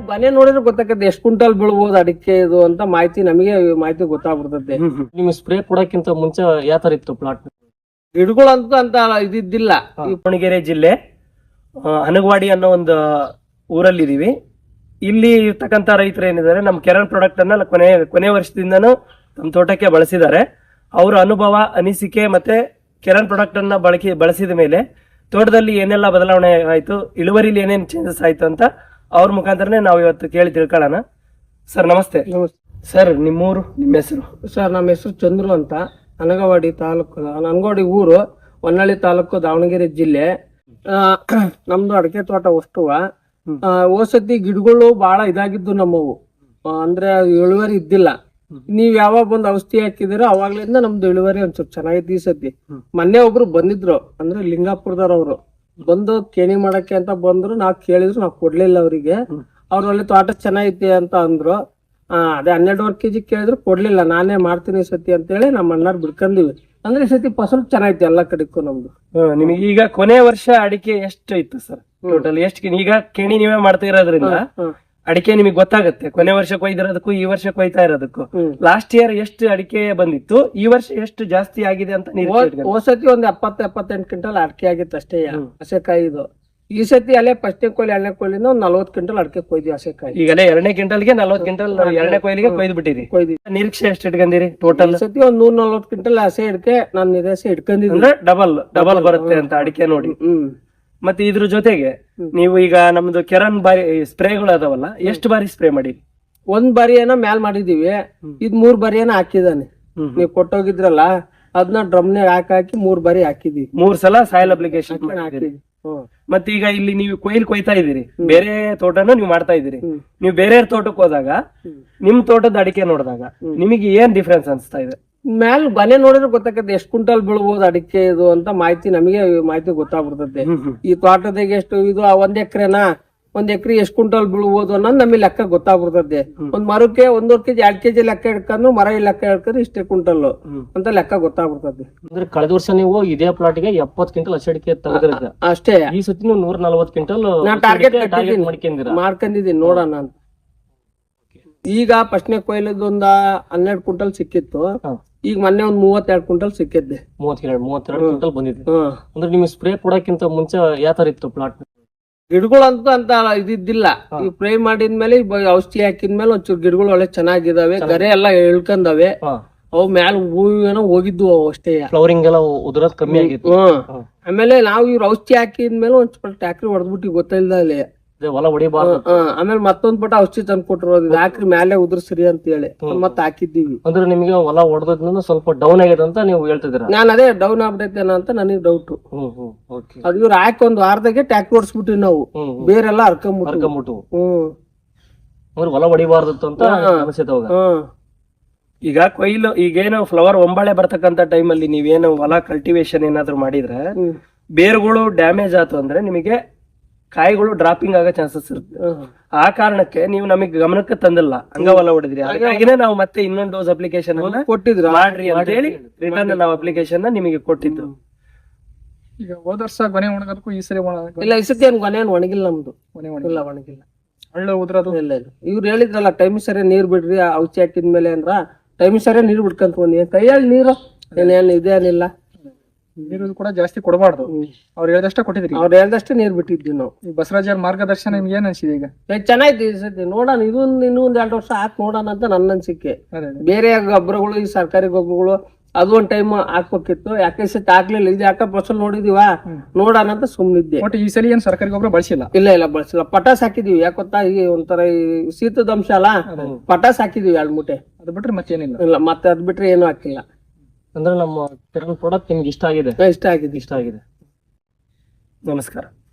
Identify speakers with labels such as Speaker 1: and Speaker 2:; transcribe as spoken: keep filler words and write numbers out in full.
Speaker 1: ಮನೆ ನೋಡಿದ್ರೆ ಗೊತ್ತಾಗತ್ತೆ ಎಷ್ಟು ಕ್ವಿಂಟಲ್ ಬೀಳ್ಬೋದು ಅಡಿಕೆ ಇದು ಅಂತ ಮಾಹಿತಿ ನಮಗೆ ಮಾಹಿತಿ ಗೊತ್ತಾಗ್ಬಿಡ್ತದೆ.
Speaker 2: ನಿಮ್ ಸ್ಪ್ರೇ ಕೊಡಕ್ಕಿಂತ ಮುಂಚೆ ಯಾವ ತರ ಇತ್ತು ಪ್ಲಾಟ್?
Speaker 1: ಗಿಡಗಳಂತೂ ಅಂತ ಇದಿದ್ದಿಲ್ಲ.
Speaker 2: ದಾವಣಗೆರೆ ಜಿಲ್ಲೆ ಹನಗವಾಡಿ ಅನ್ನೋ ಒಂದು ಊರಲ್ಲಿ ಇದೀವಿ. ಇಲ್ಲಿ ಇರ್ತಕ್ಕಂಥ ರೈತರು ಏನಿದ್ದಾರೆ ನಮ್ಮ ಕೆರನ್ ಪ್ರಾಡಕ್ಟ್ ಅನ್ನ ಕೊನೆ ಕೊನೆ ವರ್ಷದಿಂದನೂ ನಮ್ಮ ತೋಟಕ್ಕೆ ಬಳಸಿದ್ದಾರೆ. ಅವರ ಅನುಭವ, ಅನಿಸಿಕೆ ಮತ್ತೆ ಕೆರನ್ ಪ್ರಾಡಕ್ಟ್ ಅನ್ನ ಬಳಕೆ ಬಳಸಿದ ಮೇಲೆ ತೋಟದಲ್ಲಿ ಏನೆಲ್ಲ ಬದಲಾವಣೆ ಆಯ್ತು, ಇಳುವರಿಲಿ ಏನೇನು ಚೇಂಜಸ್ ಆಯ್ತು ಅಂತ ಅವ್ರ ಮುಖಾಂತರನೇ ನಾವು ಇವತ್ತು ಕೇಳಿ ತಿಳ್ಕೊಳ್ಳೋಣ. ಸರ್ ನಮಸ್ತೆ. ಸರ್ ನಿಮ್ಮೂರು, ನಿಮ್ಮ ಹೆಸರು?
Speaker 1: ಸರ್ ನಮ್ಮ ಹೆಸರು ಚಂದ್ರು ಅಂತ, ಹನಗವಾಡಿ ತಾಲೂಕು, ಹನಗವಾಡಿ ಊರು, ಹೊನ್ನಾಳಿ ತಾಲೂಕು, ದಾವಣಗೆರೆ ಜಿಲ್ಲೆ. ನಮ್ದು ಅಡಿಕೆ ತೋಟ ವಸ್ತುವ. ಓಸತಿ ಗಿಡಗಳು ಬಹಳ ಇದಾಗಿದ್ದು ನಮ್ಮವು, ಅಂದ್ರೆ ಇಳುವರಿ ಇದ್ದಿಲ್ಲ. ನೀವ್ ಯಾವಾಗ ಬಂದ್ ಔಷಧಿ ಹಾಕಿದಿರೋ ಅವಾಗ್ಲಿಂದ ನಮ್ದು ಇಳುವರಿ ಒಂಚೂರು ಚೆನ್ನಾಗಿತ್ತು ಈ ಸತಿ. ಮೊನ್ನೆ ಒಬ್ರು ಬಂದಿದ್ರು, ಅಂದ್ರೆ ಲಿಂಗಾಪುರದವ್ರು ಬಂದು ಕೇಣಿ ಮಾಡಕ್ಕೆ ಅಂತ ಬಂದ್ರು. ನಾವ್ ಕೇಳಿದ್ರು, ನಾವ್ ಕೊಡ್ಲಿಲ್ಲ ಅವ್ರಿಗೆ. ಅವ್ರ ಒಳ್ಳೆ ತೋಟ ಚೆನ್ನಾಗೈತಿ ಅಂತ ಅಂದ್ರು. ಆ ಅದೇ ಹನ್ನೆರಡುವರೆ ಕೆಜಿ ಕೇಳಿದ್ರು, ಕೊಡ್ಲಿಲ್ಲ. ನಾನೇ ಮಾಡ್ತೀನಿ ಈ ಸತಿ ಅಂತ ಹೇಳಿ ನಮ್ಮ ಅಣ್ಣಾರ್ ಬಿಡ್ಕೊಂಡಿವಿ. ಅಂದ್ರೆ ಈ ಸತಿ ಫಸಲು ಚೆನ್ನಾಗೈತಿ ಎಲ್ಲಾ ಕಡೆಗೂ ನಮ್ದು.
Speaker 2: ನಿಮಗೆ ಈಗ ಕೊನೆ ವರ್ಷ ಅಡಿಕೆ ಎಷ್ಟು ಇತ್ತು ಸರ್ ಟೋಟಲ್? ಎಷ್ಟು ಈಗ ಕೇಣಿ ನೀವೇ ಮಾಡ್ತಾ ಇರೋದ್ರಿಂದ ಅಡಿಕೆ ನಿಮಗೆ ಗೊತ್ತಾಗುತ್ತೆ ಕೊನೆ ವರ್ಷ ಕೊಯ್ದಿರೋದಕ್ಕೂ ಈ ವರ್ಷ ಕೊಯ್ತಾ ಇರೋದಕ್ಕೂ. ಲಾಸ್ಟ್ ಇಯರ್ ಎಷ್ಟು ಅಡಿಕೆ ಬಂದಿತ್ತು, ಈ ವರ್ಷ ಎಷ್ಟು ಜಾಸ್ತಿ ಆಗಿದೆ ಅಂತ ನೀವು?
Speaker 1: ಹೋಸತಿ ಒಂದ್ ಎಪ್ಪತ್ತು ಎಪ್ಪತ್ತೆಂಟು ಕ್ವಿಂಟಲ್ ಅಡಿಕೆ ಆಗಿತ್ತು ಅಷ್ಟೇ ಹಸೆಕಾಯಿ. ಇದು ಈ ಸತಿ ಅಲ್ಲೇ ಫಸ್ಟ್ನೇ ಕೊಯ್ಲಿ ಎರಡನೇ ಕೊಯ್ಲಿಂದ ಒಂದ್ ನಲ್ವತ್ತು ಕ್ವಿಂಟಲ್ ಅಡಿಕೆ ಕೊಯ್ದಿ ಹಸೆಕಾಯಿ.
Speaker 2: ಈಗಲೇ ಎರಡನೇ ಕ್ವಿಂಟಲ್ಗೆ ನಲ್ವತ್ತು ಕ್ವಿಂಟಲ್ ಎರಡನೇ ಕೊಯ್ಲಿಗೆ ಕೊಯ್ದು ಬಿಟ್ಟಿರಿ.
Speaker 1: ಕೊಯ್ದಿ
Speaker 2: ನಿರೀಕ್ಷೆ ಎಷ್ಟು ಇಟ್ಕೊಂಡಿರಿ ಟೋಟಲ್?
Speaker 1: ಸತಿ ಒಂದ್ ನೂರ್ ನಲ್ವತ್ತು ಕ್ವಿಂಟಲ್ ಹಸೆ ಅಡಿಕೆ ನಾನು ನಿರೀಕ್ಷೆ ಇಟ್ಕೊಂಡಿದ್ರೆ
Speaker 2: ಡಬಲ್ ಡಬಲ್ ಬರುತ್ತೆ ಅಂತ ಅಡಿಕೆ ನೋಡಿ.
Speaker 1: ಹ್ಮ್
Speaker 2: ಮತ್ತೆ ಇದ್ರ ಜೊತೆಗೆ ನೀವು ಈಗ ನಮ್ದು ಕೆರನ್ ಬಾರಿ ಸ್ಪ್ರೇಗಳು ಅದಾವಲ್ಲ, ಎಷ್ಟು ಬಾರಿ ಸ್ಪ್ರೇ ಮಾಡಿ?
Speaker 1: ಒಂದ್ ಬಾರಿ ಏನೋ ಮ್ಯಾಲ್ ಮಾಡಿದೀವಿ. ಇದ್ ಮೂರ್ ಬಾರಿ ಏನೋ ಹಾಕಿದಾನೆ. ನೀವ್ ಕೊಟ್ಟೋಗಿದ್ರಲ್ಲ, ಅದನ್ನ ಡ್ರಮ್ನೆ ಹಾಕಿ ಹಾಕಿ ಮೂರ್ ಬಾರಿ ಹಾಕಿದೀವಿ.
Speaker 2: ಮೂರ್ ಸಲ ಸಾಯಿಲ್ ಅಪ್ಲಿಕೇಶನ್ ಹಾಕಿದೀವಿ. ಮತ್ತೆ ಈಗ ಇಲ್ಲಿ ನೀವು ಕೊಯ್ಲ್ ಕೊಯ್ತಾ ಇದೀರಿ, ಬೇರೆ ತೋಟನ ನೀವು ಮಾಡ್ತಾ ಇದೀರಿ. ನೀವು ಬೇರೆ ತೋಟಕ್ಕೆ ಹೋದಾಗ ನಿಮ್ ತೋಟದ ಅಡಿಕೆ ನೋಡಿದಾಗ ನಿಮಗೆ ಏನ್ ಡಿಫ್ರೆನ್ಸ್ ಅನ್ಸ್ತಾ ಇದೆ?
Speaker 1: ಮ್ಯಾಲ್ ಮನೆ ನೋಡಿದ್ರೆ ಗೊತ್ತಾಗತ್ತೆ ಎಷ್ಟು ಕ್ವಿಂಟಲ್ ಬೀಳ್ಬೋದು ಅಡಿಕೆ ಇದು ಅಂತ ಮಾಹಿತಿ ನಮಗೆ ಮಾಹಿತಿ ಗೊತ್ತಾಗ್ಬಿಡ್ತದೆ. ಈ ತೋಟದಾಗ ಎಷ್ಟು ಇದು ಒಂದ್ ಎಕರೆನಾ, ಒಂದ್ ಎಕರೆ ಎಷ್ಟು ಕ್ವಿಂಟಲ್ ಬೀಳ್ಬೋದು ಅನ್ನೋದು ನಮಗೆ ಲೆಕ್ಕ ಗೊತ್ತಾಗ್ಬಿಡ್ತದೆ. ಒಂದ್ ಮರಕ್ಕೆ ಒಂದೂವರೆ ಕೆಜಿ ಎರಡ್ ಕೆಜಿ ಲೆಕ್ಕ ಹಿಡ್ಕೊಂಡು ಮರ ಲೆಕ್ಕ ಹಿಡ್ಕೊಂಡು ಇಷ್ಟೇ ಕ್ವಿಂಟಲ್ ಅಂತ ಲೆಕ್ಕ ಗೊತ್ತಾಗ್ಬಿಡ್ತದೆ.
Speaker 2: ಅಂದ್ರೆ ಕಳೆದ ವರ್ಷ ನೀವು ಇದೇ ಪ್ಲಾಟ್ ಗೆ ಎಪ್ಪತ್ತು ಕ್ವಿಂಟಲ್ ಹಸಿಡಿಕೆ ತೆಗೆದಿರ
Speaker 1: ಅಷ್ಟೇ.
Speaker 2: ಈ ಸತಿ ನೀವು ನೂರ ನಲ್ವತ್ತು ಕ್ವಿಂಟಲ್
Speaker 1: ಟಾರ್ಗೆಟ್ ಮಾಡ್ಕೊಂಡಿದೀನಿ ನೋಡೋಣ ಅಂತ. ಈಗ ಫಸ್ಟ್ನೇ ಕೊಯ್ಲದೊಂದ ಹನ್ನೆರಡು ಕ್ವಿಂಟಲ್ ಸಿಕ್ಕಿತ್ತು. ಈಗ ಮೊನ್ನೆ ಒಂದ್ ಮೂವತ್ತೆರಡು ಕ್ವಿಂಟಲ್ ಸಿಕ್ಕಿದ್ದೆ.
Speaker 2: ಮೂವತ್ತೆರಡು ಮೂವತ್ತೆರಡು ಕ್ವಿಂಟಲ್ ಬಂದಿದೆ. ಅಂದ್ರೆ ನಿಮ್ಗೆ ಸ್ಪ್ರೇ ಕೊಡಕ್ಕಿಂತ ಮುಂಚೆ ಯಾವ ತರ ಇತ್ತು ಪ್ಲಾಟ್?
Speaker 1: ಗಿಡಗಳಂತೂ ಅಂತ ಇದಿದ್ದಿಲ್ಲ. ಈ ಸ್ಪ್ರೇ ಮಾಡಿದ್ಮೇಲೆ ಔಷಧಿ ಹಾಕಿದ್ಮೇಲೆ ಒಂಚೂರು ಗಿಡಗಳು ಒಳ್ಳೆ ಚೆನ್ನಾಗಿದಾವೆ, ಗರೆ ಎಲ್ಲಾ ಇಳ್ಕೊಂಡವೆ. ಅವು ಮ್ಯಾಲ ಹೂವೇನೋ ಹೋಗಿದ್ವು ಅವು ಅಷ್ಟೇ.
Speaker 2: ಫ್ಲವರಿಂಗ್ ಎಲ್ಲ ಉದುರೋದ್ ಕಮ್ಮಿ ಆಗಿತ್ತು.
Speaker 1: ಆಮೇಲೆ ನಾವು ಇವ್ರ ಔಷಧಿ ಹಾಕಿದ್ಮೇಲೆ ಒಂದ್ ಸ್ವಲ್ಪ ಟ್ಯಾಕ್ರಿ ಹೊಡೆದ್ಬಿಟ್ಟು ಗೊತ್ತಿಲ್ದ ಅಲ್ಲಿ
Speaker 2: ಹೊಲ ಹೊಡಿಬಾರ್ದು.
Speaker 1: ಆಮೇಲೆ ಮತ್ತೊಂದ್ ಪಟ ಔಷಧಿ ತಂದು ಕೊಟ್ಟರು, ಹಾಕ್ರಿ ಮ್ಯಾಲೆ ಉದುರ್ಸ್ರಿ ಅಂತ ಹೇಳಿ ಮತ್ ಹಾಕಿದ್ದೀವಿ.
Speaker 2: ಅಂದ್ರೆ ನಿಮ್ಗೆ ಹೊಲ ಹೊಡೆದ್ರಿಂದ ಸ್ವಲ್ಪ ಡೌನ್ ಆಗಿದೆ ಅಂತ ನೀವು ಹೇಳ್ತಿದ್ದೀರಾ?
Speaker 1: ನಾನ್ ಅದೇ ಡೌನ್ ಆಗ್ಬಿಟ್ಟೈತೇನ ಅಂತ ನನಗೆ ಡೌಟ್. ಅದು ಇವ್ರು ಹಾಕಿ ಒಂದ್ ವಾರದಾಗೆ ಟ್ಯಾಕ್ರಿ ಹೊಡ್ಸ್ಬಿಟ್ಟಿವಿ ನಾವು, ಬೇರೆಲ್ಲ ಹರ್ಕೊಂಬಿಟ್ಟು
Speaker 2: ಹರ್ಕೊಂಬಿಟ್ಟು. ಹ್ಮ್ ಹೊಲ ಹೊಡಿಬಾರ್ದು ಅಂತ ಅನ್ಸುತ್ತೆ ಅವಾಗ. ಈಗ ಕೊಯ್ಲು ಈಗೇನು ಫ್ಲವರ್ ಒಂಬಾಳೆ ಬರ್ತಕ್ಕಂತ ಟೈಮಲ್ಲಿ ನೀವೇನು ಹೊಲ ಕಲ್ಟಿವೇಶನ್ ಏನಾದ್ರು ಮಾಡಿದ್ರೆ ಬೇರುಗಳು ಡ್ಯಾಮೇಜ್ ಆಯ್ತು ಅಂದ್ರೆ ನಿಮಗೆ ಕಾಯಿಗಳು ಡ್ರಾಪಿಂಗ್ ಆಗೋ ಚಾನ್ಸಸ್ ಇರುತ್ತೆ. ಆ ಕಾರಣಕ್ಕೆ ನೀವು ನಮಗೆ ಗಮನಕ್ಕೆ ತಂದಿಲ್ಲ, ಹಂಗ ಹೊಲ ಹೊಡೆದ್ರಿ. ಹಾಗಾಗಿನೇ ನಾವು ಮತ್ತೆ ಇನ್ನೊಂದು ಡೋಸ್ ಅಪ್ಲಿಕೇಶನ್
Speaker 1: ಕೊಟ್ಟಿದ್ರು
Speaker 2: ಮಾಡ್ರಿ ಅಂತ ಹೇಳಿ ರಿಟರ್ನ್ ನಾವು ಅಪ್ಲಿಕೇಶನ್ ನಿಮಗೆ ಕೊಟ್ಟಿದ್ದು.
Speaker 3: ಈಗ ಹೋದ ವರ್ಷ ಕೊನೆ ಒಣಗೋದಕ್ಕೂ ಈ ಸರಿ
Speaker 1: ಇಲ್ಲ, ಈ ಸತಿ ಏನ್ ಕೊನೆ ಒಣಗಿಲ್ಲ ನಮ್ದು. ಇಲ್ಲ ಒಣಗಿಲ್ಲ,
Speaker 3: ಒಳ್ಳೆ ಉದ್ರದು
Speaker 1: ಇಲ್ಲ ಇಲ್ಲ. ಇವ್ರು ಹೇಳಿದ್ರಲ್ಲ ಟೈಮ್ ಸರಿ ನೀರ್ ಬಿಡ್ರಿ ಔಷಧಿ ಹಾಕಿದ್ಮೇಲೆ ಅಂದ್ರ ಟೈಮ್ ಸರಿ ನೀರ್ ಬಿಡ್ಕಂತ ಬಂದಿ. ಕೈಯಲ್ಲಿ ನೀರು ಏನೇನು ಇದೇನಿಲ್ಲ.
Speaker 3: ನೀರು ಕೂಡ ಜಾಸ್ತಿ ಕೊಡಬಾರ್ದು, ಅವ್ರು ಹೇಳ್ದಷ್ಟೇ ಕೊಟ್ಟಿದ್ರಿ.
Speaker 1: ಅವ್ರು ಹೇಳ್ದಷ್ಟೇ ನೀರ್ ಬಿಟ್ಟಿದ್ವಿ ನಾವು.
Speaker 3: ಈ ಬಸವರಾಜ್ ಅವ್ರ ಮಾರ್ಗದರ್ಶನ ನಿಮ್ಗೆ ಏನ್ ಅನ್ಸಿದೆ? ಈಗ
Speaker 1: ಚೆನ್ನಾಯ್ತು ಈ ಸತಿ. ನೋಡೋಣ, ಇದೊಂದು ಇನ್ನೂ ಒಂದ್ ಎರಡು ವರ್ಷ ಹಾಕಿ ನೋಡೋಣ ಅಂತ ನನ್ನ ಅನ್ಸಿಕೆ. ಬೇರೆ ಗೊಬ್ಬರಗಳು, ಈ ಸರ್ಕಾರಿ ಗೊಬ್ಬರಗಳು ಅದು ಒಂದ್ ಟೈಮ್ ಹಾಕ್ಬೇಕಿತ್ತು. ಯಾಕೆ ಸತಿ ಹಾಕ್ಲಿಲ್ಲ. ಇದು ಯಾಕ ಫಸಲ್ ನೋಡಿದೀವ, ನೋಡೋಣ ಅಂತ ಸುಮ್ನಿದ್ದೆ.
Speaker 3: ಬಟ್ ಈ ಸಲ ಏನ್ ಸರ್ಕಾರಿ ಗೊಬ್ಬರ ಬಳಸಿಲ್ಲ?
Speaker 1: ಇಲ್ಲ ಇಲ್ಲ ಬಳಸಿಲ್ಲ. ಪಟಾಸ್ ಹಾಕಿದೀವಿ. ಯಾಕೊತ್ತಾ, ಈ ಒಂಥರ ಶೀತದ ಅಂಶ ಅಲ್ಲ, ಪಟಾಸ್ ಹಾಕಿದೀವಿ ಎರಡು ಮೂಟೆ.
Speaker 3: ಅದು ಬಿಟ್ರೆ ಮತ್ತೇನಿಲ್ಲ.
Speaker 1: ಇಲ್ಲ, ಮತ್ತೆ ಅದ್ ಬಿಟ್ರೆ ಏನು ಹಾಕಿಲ್ಲ.
Speaker 2: ಅಂದ್ರೆ ನಮ್ಮ ಪ್ರಾಡಕ್ಟ್ ನಿಮ್ಗೆ ಇಷ್ಟ ಆಗಿದೆ?
Speaker 1: ಇಷ್ಟ ಆಗಿದೆ.
Speaker 2: ಇಷ್ಟ ಆಗಿದೆ. ನಮಸ್ಕಾರ.